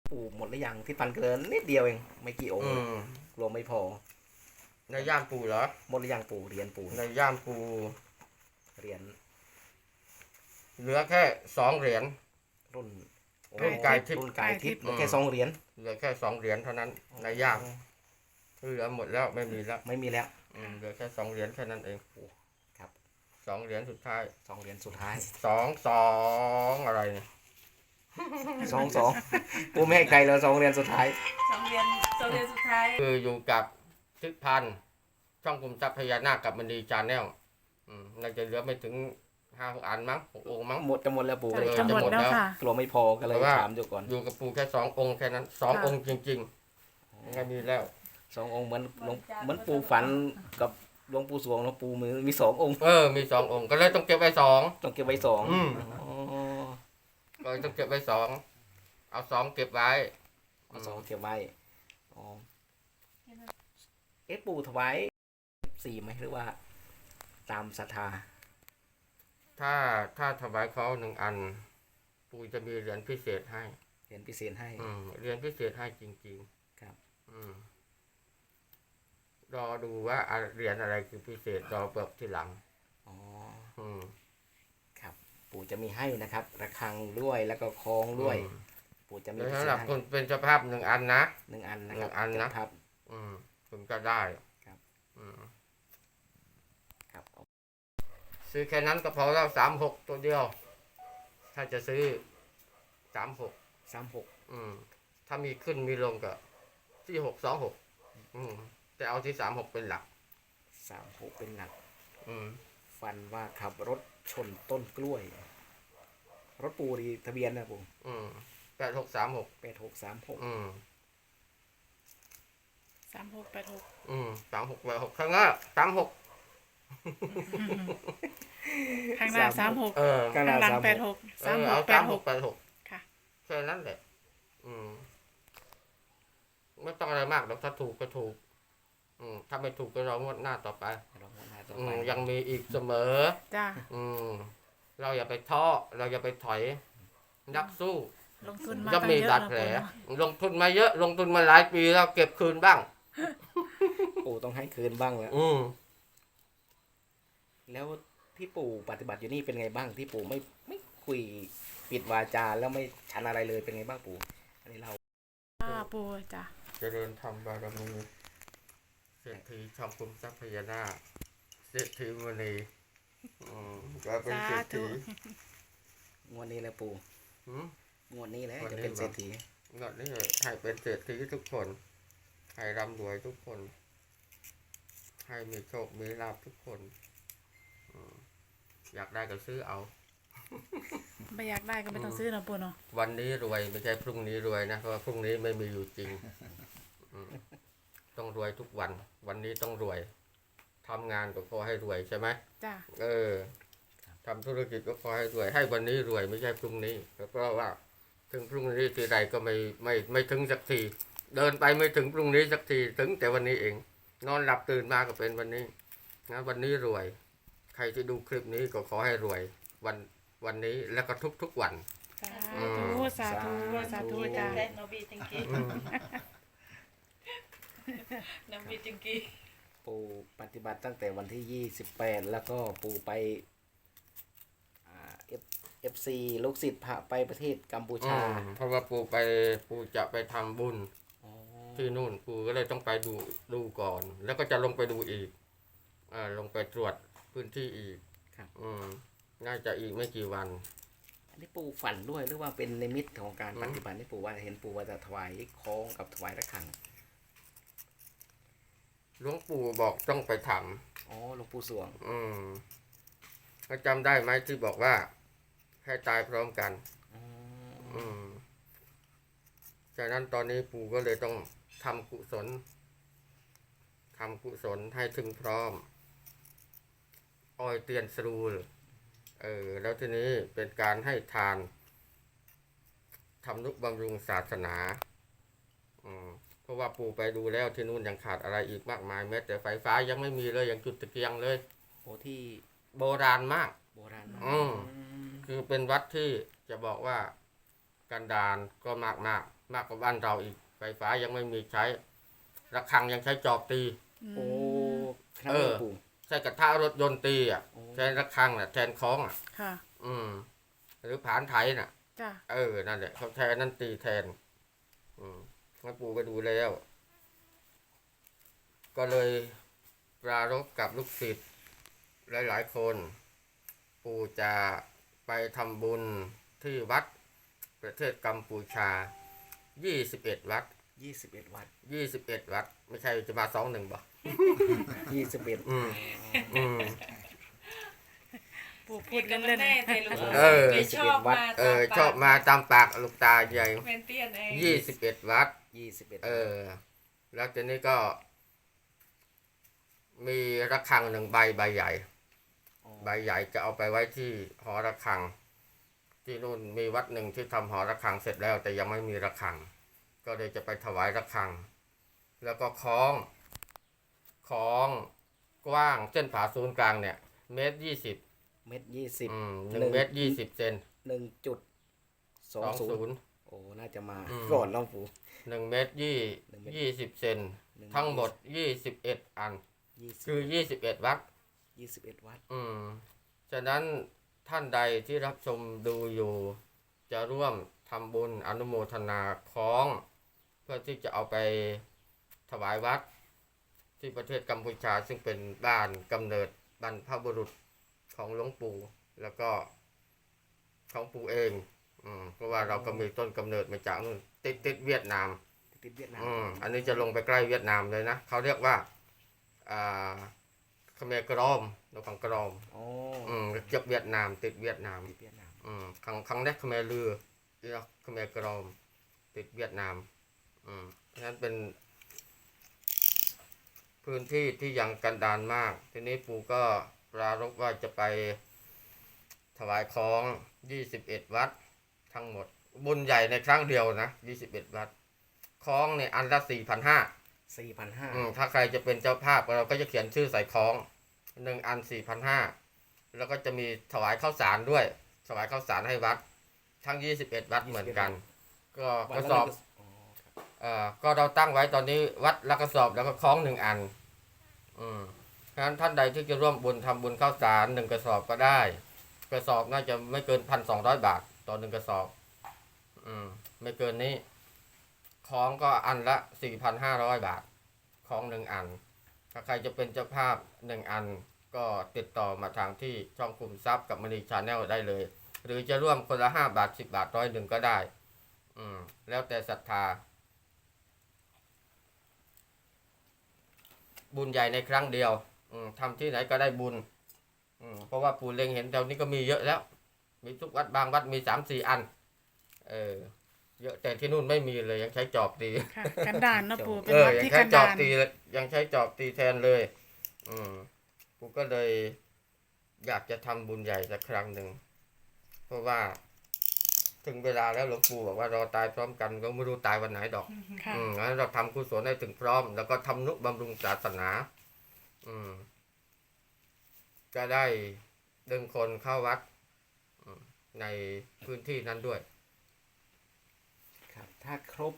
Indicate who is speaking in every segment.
Speaker 1: ปู่หมดหรือยังที่ปันเกินนิดเดียวเองไม่กี่องค์กลัวไม่พอ
Speaker 2: ในย่ามปูเหรอ
Speaker 1: หมดหรือยังปู่เหรียญปู่
Speaker 2: ในย่ามปู
Speaker 1: เหรียญ
Speaker 2: เหลือแค่2 เหรียญ
Speaker 1: รุ่น
Speaker 2: กายทิพย์
Speaker 1: รุ่นกายทิพย์เหลือแค่2 เหรียญ
Speaker 2: เหลือแค่2 เหรียญเท่านั้นในย่ามเหลือหมดแล้วไม่มีแล้วเหลือแค่2 เหรียญแค่นั้นเอง
Speaker 1: ครับ
Speaker 2: 2 เหรียญสุดท้าย
Speaker 1: 2 เหรียญสุดท้าย
Speaker 2: 2อะไรเนี่ย
Speaker 1: 2ปู่ไม่ให้ใครแล้ว2 เหรียญสุดท้าย
Speaker 3: 2 เหรียญสุดท้าย
Speaker 2: คืออยู่กับทิศพันธ์ช่องคุมทรัพย์พญานาคกับมณีจานแนลน่าจะเหลือไม่ถึง5-6 อันมั้ง6 องค์มั้ง
Speaker 1: หมดแล้วปู่
Speaker 3: จะหมดแล้วค่ะ
Speaker 1: กลัวไม่พอก็เลยถามอยู่ก่อน
Speaker 2: อยู่กับปู่แค่2 องค์แค่นั้น2 องค์จริงๆไม่มีแล้ว
Speaker 1: 2 องค์เหมือนปู่ฝันกับหลวงปู่สวงหลวงปู่มี2 องค์
Speaker 2: มี2 องค์ก็เลยต้องเก็บไว้2
Speaker 1: ต้องเก็บไว้2
Speaker 2: ก็ต้องเก็บไว้2เอา2เก็บไว้
Speaker 1: เอา2เก็บไว้ปู่ถวาย4ไหมหรือว่าตามศรัทธา
Speaker 2: ถ้าถวายเขา1 อันปู่จะมีเหรียญพิเศษให้
Speaker 1: เหรียญพิเศษให้
Speaker 2: เหรียญพิเศษให้จริง
Speaker 1: ๆครับ
Speaker 2: รอดูว่าเหรียญอะไรคือพิเศษรอเปิดทีหลัง
Speaker 1: ครับปู่จะมีให้นะครับระฆังด้วยแล้วก็คล้องด้วยปู่จะมี
Speaker 2: สำหรับคนเป็นเจ้าภาพ1 อันนะ
Speaker 1: 1 อันนะครับ
Speaker 2: 1 อันนะครับถึงจะได้
Speaker 1: ครับครับ
Speaker 2: ซื้อแค่นั้นก็พอแล้ว36ตัวเดียวถ้าจะซื้อ36ถ้ามีขึ้นมีลงก็ที่626แต่เอาที่36เป็นหลัก
Speaker 1: 36เป็นหลักฟันว่าขับรถชนต้นกล้วยรถปู่ดีทะเบียนนะปู่
Speaker 2: 8636
Speaker 1: 8636
Speaker 2: 3686ข้างหน้า36
Speaker 3: ข้างหน้า36ข้างหลัง86
Speaker 2: เอา3686
Speaker 3: ค่ะ
Speaker 2: แค่นั้นแหละไม่ต้องอะไรมากหรอกถ้าถูกก็ถูกถ้าไม่ถูกก็รองวดหน้าต่อไปยังมีอีกเสมอ
Speaker 3: จ้า
Speaker 2: เราอย่าไปท้อเราอย่าไปถอยนักสู้
Speaker 3: ลงทุนมา
Speaker 2: จะมีบาดแผลลงทุนมาเยอะลงทุนมาหลายปีแล้วเก็บคืนบ้าง
Speaker 1: ปู่ต้องให้คืนบ้างแล้วแล้วที่ปู่ปฏิบัติอยู่นี่เป็นไงบ้างที่ปู่ไม่คุยปิดวาจาแล้วไม่ฉันอะไรเลยเป็นไงบ้างปู่อันนี้เรา
Speaker 3: ปู่จ้ะ
Speaker 2: เจริญธรรมบารมีเศรษฐีช่องคุมทรัพย์พญานาคเศรษฐีมณีก็เป็นเศรษฐี
Speaker 1: งวดนี้แหละปู่งวดนี้แหละจะเป็นเศรษฐี
Speaker 2: งวดนี้ให้เป็นเศรษฐีทุกคนให้ร่ำรวยทุกคนให้มีโชคมีลาภทุกคนอยากได้ก็ซื้อเอา
Speaker 3: ไม่อยากได้ก็ไม่ต้องซื้อนะปู่เนาะ
Speaker 2: วันนี้รวยไม่ใช่พรุ่งนี้รวยนะเพราะว่าพรุ่งนี้ไม่มีอยู่จริงต้องรวยทุกวันวันนี้ต้องรวยทำงานก็ขอให้รวยใช่ไหม
Speaker 3: จ้า
Speaker 2: ทำธุรกิจก็ขอให้รวยให้วันนี้รวยไม่ใช่พรุ่งนี้เพราะว่าถึงพรุ่งนี้ทีใดก็ไม่ถึงสักทีเดินไปไม่ถึงพรุ่งนี้สักทีถึงแต่วันนี้เองนอนหลับตื่นมาก็เป็นวันนี้นะวันนี้รวยใครที่ดูคลิปนี้ก็ขอให้รวยวันนี้แล้วก็ทุกวัน
Speaker 3: สาธุจ้า
Speaker 4: โนบีจิงกี้
Speaker 1: ปู่ปฏิบัติตั้งแต่วันที่28แล้วก็ปู่ไปFC ลูกศิษย์พาไปประเทศกัมพูชา
Speaker 2: เพราะว่าปู่จะไปทำบุญที่นู่นปู่ก็เลยต้องไปดูก่อนแล้วก็จะลงไปดูอีกลงไปตรวจพื้นที่อีกน่าจะอีกไม่กี่วัน
Speaker 1: อันนี้ปู่ฝันด้วยหรือว่าเป็นนิมิตของการปฏิบัติที่ปู่ว่าเห็นปู่ว่าจะถวายคล้องกับถวายระฆัง
Speaker 2: หลวงปู่บอกต้องไปท
Speaker 1: ำหลวงปู่สวง
Speaker 2: ก็จำได้ไหมที่บอกว่าให้ตายพร้อมกันจากนั้นตอนนี้ปู่ก็เลยต้องทำกุศลให้ถึงพร้อมอ้อยเตียนสรูลแล้วทีนี้เป็นการให้ทานทำนุบำรุงศาสนาเพราะว่าปู่ไปดูแล้วที่นู่นยังขาดอะไรอีกมากมายแม้แต่ไฟฟ้ายังไม่มีเลยยังจุดตะเกียงเลย
Speaker 1: ที่
Speaker 2: โบราณมาก
Speaker 1: คือ
Speaker 2: เป็นวัดที่จะบอกว่ากันดารก็มากกว่าบ้านเราอีกไฟฟ้ายังไม่มีใช้ระฆังยังใช้จอบตี
Speaker 1: โอ้ครับหลวงปู่
Speaker 2: ใช้กระทะรถยนต์ตีอ่ะ
Speaker 1: โอ้
Speaker 2: ใช้ระฆังน่ะแทนคล้องอ่ะ
Speaker 3: ค่ะ
Speaker 2: หรือผานไถน่ะ
Speaker 3: จ้ะ
Speaker 2: นั่นแหละเขาใช้อันนั่นตีแทนหลวงปู่ไปดูแล้ว ก็เลยปรารภกับลูกศิษย์หลายๆคน ปู่จะไปทำบุญที่วัดประเทศกัมพูชา21 วัด
Speaker 1: 21 วัด
Speaker 2: 21 วัด ไม่ใช่จะมา21บ่
Speaker 1: 21
Speaker 3: ปู่พูดเล่น
Speaker 4: แน่ใจลูก
Speaker 1: ไม่
Speaker 4: ชอบมา
Speaker 2: ชอบมาตามปากลูกตาใหญ่
Speaker 4: เมนเตียนเอง
Speaker 2: 21 วัด
Speaker 1: 21
Speaker 2: แล้วทีนี้ก็มีระฆังหนึ่งใบใหญ่
Speaker 1: อ๋อ
Speaker 2: ใบใหญ่จะเอาไปไว้ที่หอระฆัง ที่นู่นมีวัดหนึ่งที่ทำหอระฆังเสร็จแล้ว แต่ยังไม่มีระฆัง ก็เลยจะไปถวายระฆัง แล้วก็คล้องกว้างเส้นผ่าศูนย์กลางเนี่ย1.20
Speaker 1: เม็ด20
Speaker 2: 1.20 เซน
Speaker 1: 1.20 โอ้ น่าจะมา
Speaker 2: อืม
Speaker 1: ก่อนหลวงปู่
Speaker 2: 1.20 เซนทั้งหมด21 อัน
Speaker 1: 20
Speaker 2: คือ21 วัด
Speaker 1: 21 วัด
Speaker 2: ฉะนั้นท่านใดที่รับชมดูอยู่ จะร่วมทำบุญอนุโมทนาคล้อง เพื่อที่จะเอาไปถวายวัด ที่ประเทศกัมพูชาซึ่งเป็นบ้านกำเนิดบรรพบุรุษของหลวงปู่แล้วก็ของปู่เองเพราะว่าเราก็มีต้นกำเนิดมาจากนู่นติดเวียดนาม
Speaker 1: ติดเวียดนาม
Speaker 2: อันนี้จะลงไปใกล้เวียดนามเลยนะเขาเรียกว่าเขมรกรอมนกขังกรอม
Speaker 1: อ๋อ
Speaker 2: เจ็บเวียดนามติดเวียดนาม
Speaker 1: ติดเวียดนาม
Speaker 2: ครั้งแรกเขมรลือเขมรกรอมติดเวียดนามฉะนั้นเป็นพื้นที่ที่ยังกันดารมากทีนี้ปู่ก็ปรารภว่าจะไปถวายของ21 วัดทั้งหมดบุญใหญ่ในครั้งเดียวนะ21 วัดของเนี่ยอันละ 4,500
Speaker 1: 4,500
Speaker 2: ถ้าใครจะเป็นเจ้าภาพเราก็จะเขียนชื่อใส่ของ1 อัน 4,500 แล้วก็จะมีถวายข้าวสารด้วยถวายข้าวสารให้วัดทั้ง21 วัดเหมือนกัน ก็กระสอบ ก็เราตั้งไว้ตอนนี้วัดละกระสอบแล้วก็คล้อง1 อันเพราะฉะนั้นท่านใดที่จะร่วมบุญทำบุญข้าวสาร1 กระสอบก็ได้ กระสอบน่าจะไม่เกิน 1,200 บาทต่อ1 กระสอบไม่เกินนี้ของก็อันละ 4,500 บาทของ1 อันถ้าใครจะเป็นเจ้าภาพ1 อันก็ติดต่อมาทางที่ช่องคุมทรัพย์กับมณีชาแนลได้เลย หรือจะร่วมคนละ5 บาท 10 บาท100ก็ได้แล้วแต่ศรัทธาบุญใหญ่ในครั้งเดียวทำที่ไหนก็ได้บุญเพราะว่าปู่เล็งเห็นแถวนี้ก็มีเยอะแล้วมีทุกวัดบางวัดมี 3-4 อันเยอะแต่ที่นู่นไม่มีเลยยังใช้จอบตี
Speaker 3: ๆ ค่ะ กันดารเนาะปู่เป็นวัด
Speaker 2: ยัง
Speaker 3: ที่
Speaker 2: ใช้
Speaker 3: กัน
Speaker 2: จอ
Speaker 3: ดา
Speaker 2: บ
Speaker 3: ร
Speaker 2: ตียังใช้จอบตีแทนเลยปู่ก็เลยอยากจะทำบุญใหญ่สักครั้งหนึ่งเพราะว่าถึงเวลาแล้วหลวงปู่บอกว่ารอตายพร้อมกันก็ไม่รู้ตายวันไหนดอก
Speaker 3: ค่ะ
Speaker 2: งั้นเราทำกุศลให้ถึงพร้อม แล้วก็ทำนุบำรุงศาสนาก็ได้ดึงคนเข้าวัดในพื้นที่นั้นด้วย
Speaker 1: ครับ ถ้าครบ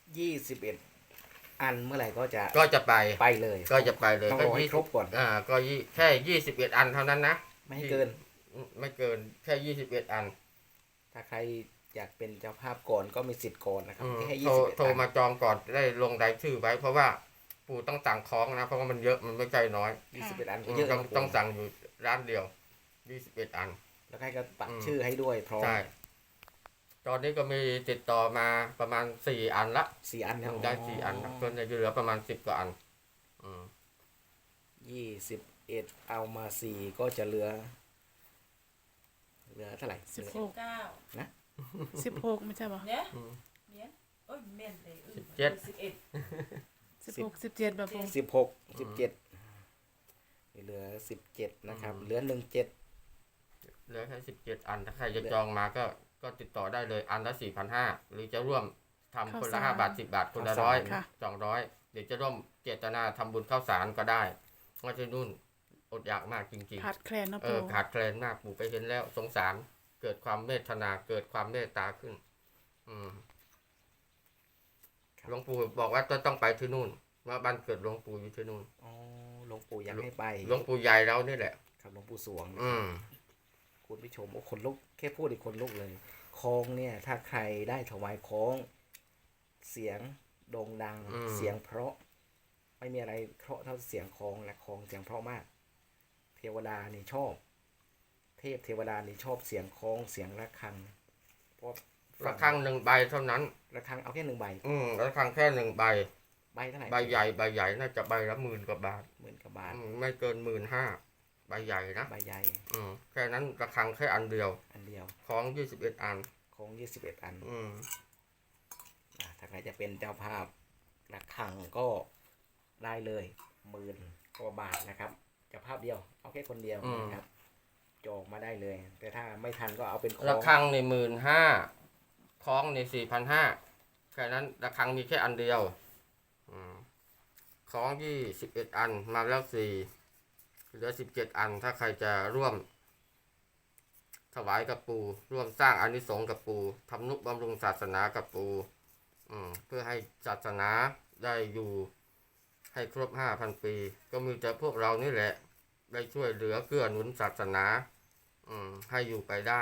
Speaker 1: 21 อันเมื่อไหร่ก็จะ
Speaker 2: ก็จะไป
Speaker 1: ไปเลย
Speaker 2: ก็จะไปเลย
Speaker 1: ต้องรอให้ครบก่อน
Speaker 2: ก็แค่21 อันเท่านั้นนะ
Speaker 1: ไม่ให้เกิน
Speaker 2: ไม่เกินแค่21 อัน
Speaker 1: ถ้าใครอยากเป็นเจ้าภาพก่อนก็มีสิทธิ์ก่อนนะครับแค่
Speaker 2: โทร
Speaker 1: 21
Speaker 2: มาจองก่อนได้ลงรายชื่อไว้ เพราะว่าปู่ต้องสั่งของนะเพราะว่ามันเยอะมันไม่ใช่น้อย
Speaker 1: 21 อันก็เยอะ
Speaker 2: ต้องสั่งอยู่ร้านเดียว21 อัน
Speaker 1: แล้วใครก็ปักชื่อให้ด้วยพร้อม
Speaker 2: ใช่ตอนนี้ก็มีติดต่อมาประมาณ4 อันละ
Speaker 1: 4 อันแล้ว
Speaker 2: ได้4 อันละส่วนใหญ่จะเหลือประมาณ10 กว่าอัน
Speaker 1: 21 เอามา 4 ก็จะเหลือเท่าไหร่
Speaker 4: 9
Speaker 3: 16ไม่ใช่ป่ะ
Speaker 4: เนี่ยโอ้ยเมนเลย11
Speaker 3: 16 17แบบปู่
Speaker 1: 16 17เหลือ17นะครับเหลือ17
Speaker 2: เหลือแค่17 อันถ้าใครจะจองมาก็ติดต่อได้เลยอันละ 4,500 หรือจะร่วมทำคนละ5 บาท 10 บาทคนละ100 200เดี๋ยวจะร่วมเจตนาทำบุญข้าวสารก็ได้เพราะที่นู่นอดอยากมากจริงๆ
Speaker 3: ขาดแคลนเนาะปู่
Speaker 2: ขาดแคลนมากปู่ไปเห็นแล้วสงสารเกิดความเมตตาเกิดความเมตตาขึ้นหลวงปู่บอกว่าจะต้องไปที่นู่นว่าบ้านเกิดหลวงปู่อยู่ที่นู่น
Speaker 1: อ๋อหลวงปู่อยากให้ไป
Speaker 2: หลวงปู่ใหญ่เรานี่แหละ
Speaker 1: ครับหลวงปู่สวง
Speaker 2: อืม
Speaker 1: คุณผู้ชมโอ้คนลุกแค่พูดอีกคนลุกเลยคล้องเนี่ยถ้าใครได้ถวายคล้อง เสียงโด่งดัง เสียงเพราะไม่มีอะไรเพราะเท่าเสียงคล้องและคล้องเสียงเพราะมาก เทวดานี่ชอบ เทพเทวดานี่ชอบเสียงคล้องเสียงระฆังเพราะ
Speaker 2: ระฆัง1 ใบเท่านั้น
Speaker 1: ระฆังเอาแค่1 ใบ
Speaker 2: ระฆังแค่1 ใบ
Speaker 1: ใบเท่าไหร่
Speaker 2: ใบใหญ่น่าจะใบละ10,000 กว่าบาท
Speaker 1: 10,000 กว่าบาท
Speaker 2: ไม่เกิน15,000ใบใหญ่นะ
Speaker 1: ใบใหญ่
Speaker 2: แค่นั้นระฆังแค่อันเดียว
Speaker 1: อันเดียว
Speaker 2: ของ21 อัน
Speaker 1: คล้อง21 อัน
Speaker 2: อืม
Speaker 1: ถ้าใครจะเป็นเจ้าภาพระฆังก็ได้เลย10,000 กว่าบาทนะครับเจ้าภาพเดียวเอาแค่คนเดียวนะครับจองมาได้เลย แต่ถ้าไม่ทันก็เอาเป็นคล้
Speaker 2: ระ
Speaker 1: อง
Speaker 2: ฆังใน15,000คล้องใน4,500แค่นั้นระฆังมีแค่อันเดียวของ21 อันมาแล้ว4เหลือ17 อันถ้าใครจะร่วมถวายกับปู่ร่วมสร้างอานิสงส์กับปู่ทำนุบำรุงศาสนากับปู่เพื่อให้ศาสนาได้อยู่ให้ครบ 5,000 ปี ก็มีแต่พวกเรานี่แหละได้ช่วยเหลือเกื้อหนุนศาสนาให้อยู่ไปได้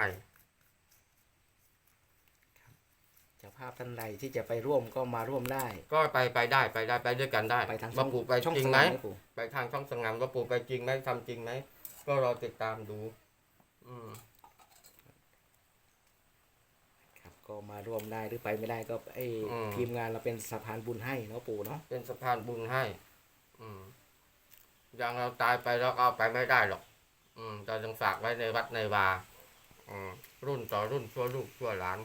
Speaker 1: เจ้าภาพท่านใดที่จะไปร่วมก็มาร่วมได้
Speaker 2: ก็ไปได้ไปด้วยกันได้
Speaker 1: ไปทาง
Speaker 2: ว่าปู่ไป
Speaker 1: ช่อง
Speaker 2: จริง
Speaker 1: ส
Speaker 2: ไหม
Speaker 1: นามไหมปู่
Speaker 2: ไปทางช่องสงามว่าปู่ไปจริงไหมทำจริงไหมก็รอติดตามดู
Speaker 1: ครับก็มาร่วมได้หรือไปไม่ได้ก็ทีมงานเราเป็นสะพานบุญให้เนาะปู่เนาะ
Speaker 2: เป็นสะพานบุญให้อย่างเราตายไปแล้วก็เอาไปไม่ได้หรอกเราต้องฝากไว้ในวัดในวารุ่นต่อรุ่นชั่วลูกชั่วหลาน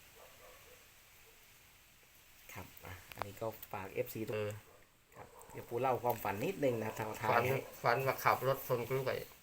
Speaker 1: ครับอันนี้ก็ฝาก FC ทุกครับเดี๋ยวปู่เล่าความฝันนิดนึงนะท้าย
Speaker 2: ฝันว่าขับรถชนกล้วย